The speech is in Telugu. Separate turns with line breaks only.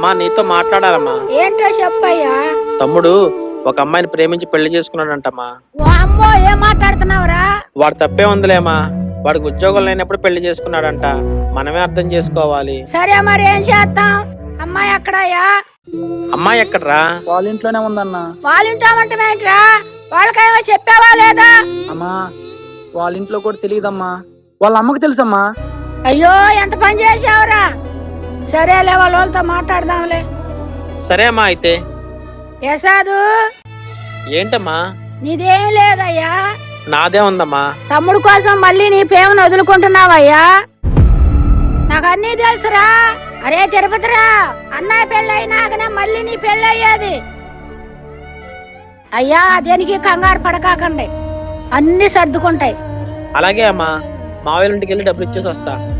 అమ్మా నీతో మాట్లాడాలమ్మా.
ఏంటో చెప్పయ్యా.
తమ్ముడు ఒక అమ్మాయిని ప్రేమించి పెళ్లి చేసుకున్నాడంటమ్మా.
ఓ అమ్మో, ఏం మాట్లాడుతున్నావురా?
వాడు తప్పే ఉందిలేమా, వాడికి ఉద్యోగం లేనప్పుడు పెళ్లి చేసుకున్నాడంట. మనమే అర్థం చేసుకోవాలి.
సరే మరి ఏం చేద్దాం? అమ్మాయి ఎక్కడయ్యా?
అమ్మాయి ఎక్కడరా?
వాళ్ళ ఇంట్లోనే ఉందన్న.
వాళ్ళ ఇంటామంటేంట్రా? వాళ్ళకేమో చెప్పావా లేదా?
అమ్మా వాళ్ళ ఇంట్లో కూడా తెలియదమ్మా, వాళ్ళ అమ్మకి తెలుసమ్మా.
అయ్యో, ఎంత పని చేసావురా. సరేలే, వాళ్ళతో మాట్లాడదాంలే.
సరే అమ్మా అయితే.
యశాదు,
ఏంటమ్మా?
నీదేమి లేదయ్యా.
నాదే ఉందమ్మా.
తమ్ముడు కోసం మళ్ళీ నీ ప్రేమను వదులుకుంటున్నావయ్యా. నాకు అన్నీ తెలుసురా. అరే తిరుపతిరా, అన్నయ్య పెళ్ళి అయినాకనే మళ్ళీ నీ పెళ్ళి అయ్యేది. అయ్యా దేనికి కంగారు పడకాకండి, అన్ని సర్దుకుంటాయి.
అలాగే అమ్మా, మావయ్య ఇంటికి వెళ్ళి డబ్బులు ఇచ్చేసి వస్తా.